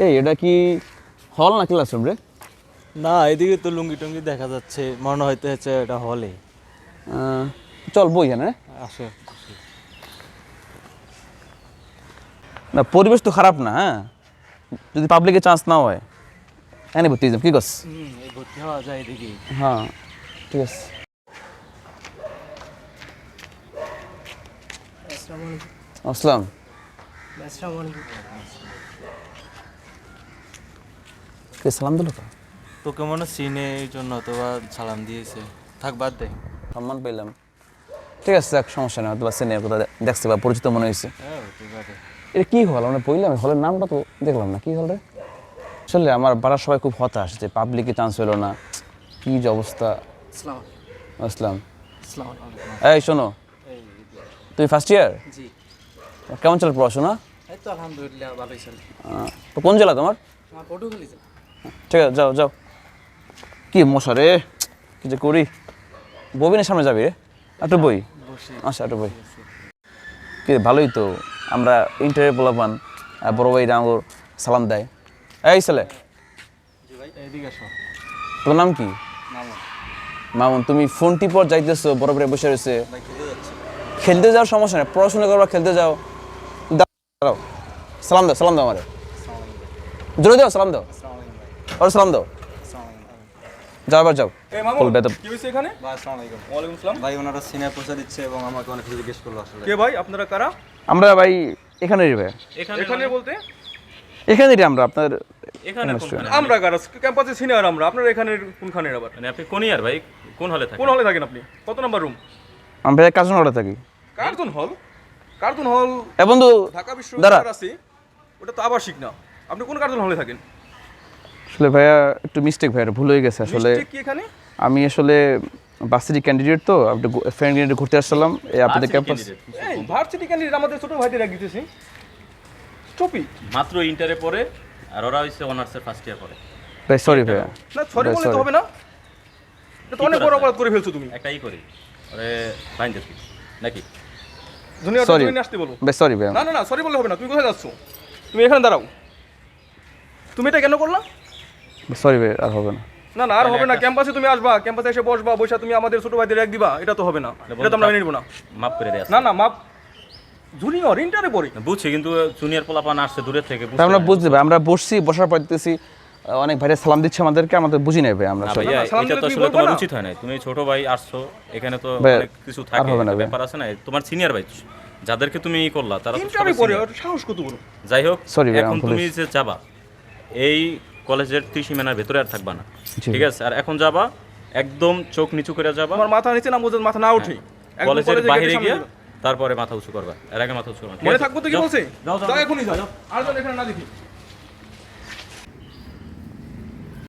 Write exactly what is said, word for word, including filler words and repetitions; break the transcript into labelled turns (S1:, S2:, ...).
S1: এই এটা কি হল না ক্লাসরুম রে?
S2: না, এদিকে তো লুঙ্গি টুঙ্গি দেখা যাচ্ছে, মনে হইতে হচ্ছে এটা হলে।
S1: আহ, চল বই হ্যাঁ।
S2: আসো।
S1: না পরিবেশ তো খারাপ না, হ্যাঁ, যদি পাবলিকে চান্স না হয় এনে ভর্তি হয়ে যাম, কি করছ?
S2: হুম, এই ভর্তি হওয়া যায় এদিকে।
S1: হ্যাঁ ঠিক আছে। আসসালাম। কে সালাম দিল? তো
S2: তোকে মনে চিনে এই জন্য তো সালাম দিয়েছে। থাক, বাদ দে।
S1: সম্মান পেলাম, ঠিক আছে, এক সমস্যা নেই, হয়তো বা সিনে কোথাও দেখছি বা পরিচিত মনে হয়েছে।
S2: হ্যাঁ, ঠিক আছে।
S1: এটা কি হল? আমরা পড়লাম হলের নামটা তো দেখলাম না, কি হল রে? আসলে আমার পাড়ার সবাই খুব হতাশ যে পাবলিকে চান্স হলো না, কি যে অবস্থা। আসসালাম। এই শোনো, তুই ফার্স্ট ইয়ার?
S3: জি।
S1: কেমন চলে পড়াশোনা?
S3: এই তো আলহামদুলিল্লাহ ভালোই চলে।
S1: তো কোন জেলা তোমার?
S3: আমার পটুখালি চলে।
S1: ঠিক আছে, যাও যাও। কি মশা রে, কি যে করি। ববিনের সামনে যাবি রে? একটু বই, আচ্ছা একটু বই। কি ভালোই তো, আমরা ইন্টারভিউ পোলাপান, বড় ভাই ডাঙ্গর সালাম দেয়। এই ছেলে,
S2: এদিকে আসো।
S1: তোর নাম কি? মামুন। তুমি ফোন টিপর যাইতেছো, বড় ভাই বসে রয়েছে। খেলতে যাও সমস্যা নেই, পড়াশোনা করবা, খেলতে যাও। দাঁড়াও, সালাম দাও, সালাম দাও আমারে, জোরে দাও, সালাম দাও, আর সালাম দাও। যাও এবার যাও। বলবে তো
S4: কি হয়েছে এখানে?
S5: ভাই আসসালামু আলাইকুম।
S4: ওয়ালাইকুম আসসালাম।
S5: ভাই ওনারা সিনিয়র পৌঁছে দিচ্ছে এবং আমাকে অনেক কিছু জিজ্ঞেস করলো আসলে।
S4: কে ভাই, আপনারা কারা?
S1: আমরা ভাই এখানেই ভাই,
S4: এখানে বলতে
S1: এখানেই আমরা আপনার
S6: এখানে কোনখানে?
S4: আমরা কারা? ক্যাম্পাসে সিনিয়র আমরা। আপনারা এখানে কোনখানের আবার?
S6: মানে আপনি কোন ইয়ার ভাই? কোন হলে থাকেন?
S4: কোন হলে থাকেন আপনি? কত নাম্বার রুম?
S1: আমি ভাই কাজ নড়ে থাকি।
S4: কার্টুন হল? কার্টুন হল
S1: এ বন্ধু
S4: ঢাকা
S1: দাঁড়া।
S4: বিশ্ববিদ্যালয়ের আছে, ওটা তো আবাসিক না। আপনি কোন কার্টুন হলে থাকেন?
S1: আসলে ভাইয়া একটু মিস্টেক ভাইয়া, ভুল হয়ে গেছে আসলে।
S4: মিস্টেক কি এখানে?
S1: আমি আসলে ভার্সিটি ক্যান্ডিডেট, তো আপনি ফ্রেন্ড ক্যান্ডিডেট ঘুরতে আসছিলাম এই আপনাদের ক্যাম্পাস।
S4: এই ভার্সিটি ক্যান্ডিডেট আমাদের ছোট ভাইদের এক দিতেছি। টপি
S6: মাত্র ইন্টারে পড়ে, আর ওরা হইছে অনার্সের ফার্স্ট ইয়ার পড়ে।
S1: ভাই সরি ভাইয়া।
S4: না, সরি
S1: ভাই,
S4: বললে তো
S1: sorry।
S4: হবে না। এটা তো অনেক বড় অপরাধ করে ফেলছো তুমি।
S6: একটাই করি, ওরে ফাইন দিছি নাকি?
S4: জুনিয়র
S1: সরি
S4: তুমি আসতে বলো।
S1: ভাই, সরি ভাইয়া।
S4: না না না, সরি বললে হবে না। তুমি কোথায় যাচ্ছ? তুমি এখানে দাঁড়াও। তুমি এটা কেন করলা?
S1: সরি ভাই, আর হবে না।
S4: না না, আর হবে না। ক্যাম্পাসে তুমি আসবা, ক্যাম্পাসে এসে বসবা, বসে তুমি আমাদের ছোট ভাইদের এক দিবা, এটা তো হবে না। এটা তো আমরা মেনে নিব না।
S6: মাফ করে দেয়া।
S4: না না, মাপ জুনিয়র ইন্টারে পড়ি।
S6: বুঝছি, কিন্তু জুনিয়র পোলাপান আসছে দূরের থেকে,
S1: তা আমরা বুঝতে ভাই, আমরা বসছি, বসার পর দেখতেছি অনেক ভাইরা সালাম দিচ্ছে আমাদেরকে, আমাদের বুঝি নাই ভাই আমরা
S6: না
S1: আসলে।
S6: ভাইয়া,
S4: সালাম
S6: এটা
S4: দিলে
S6: তো
S4: তুমি
S6: আসলে
S4: বলবা
S6: তোমার
S4: না?
S6: উচিত হয় না। তুমি ছোট ভাই আসছো, এখানে তো
S1: ভাই,
S6: অনেক কিছু
S1: আর
S6: থাকে,
S1: হবে না ভাই।
S6: ব্যাপার আছে না। তোমার সিনিয়র ভাই যাদেরকে তুমি ই করলা, তারা তো
S4: ইন্টারে
S6: সবাই
S4: পড়ে,
S6: senior।
S4: ওর সাহস কত বড়।
S6: যাই হোক,
S1: Sorry ভাই,
S6: এখন
S1: আমি
S6: তুমি
S1: ভুলেছি।
S6: যে যাবা এই কলেজের ত্রিসীমানার ভেতরে আর থাকবা না,
S1: জি।
S6: ঠিক আছে? আর এখন যাবা একদম চোখ নিচু করে যাবা,
S4: আমার মাথা নিচে না, বোঝেন মাথা না উঠি। একদম
S6: কলেজের
S4: কলেজে
S6: বাইরে
S4: গেটের সামনে
S6: গিয়ে
S4: যাবা।
S6: তারপরে মাথা উঁচু করবা, এর আগে মাথা উঁচু করবা না, ঠিক
S4: মনে
S6: আছে?
S4: থাকবো তো কি
S6: যাও,
S4: বলছে?
S6: যাও, যাও,
S4: যাও
S6: যাও।
S4: এখনই যাও। আর যেন এখানে না দেখি।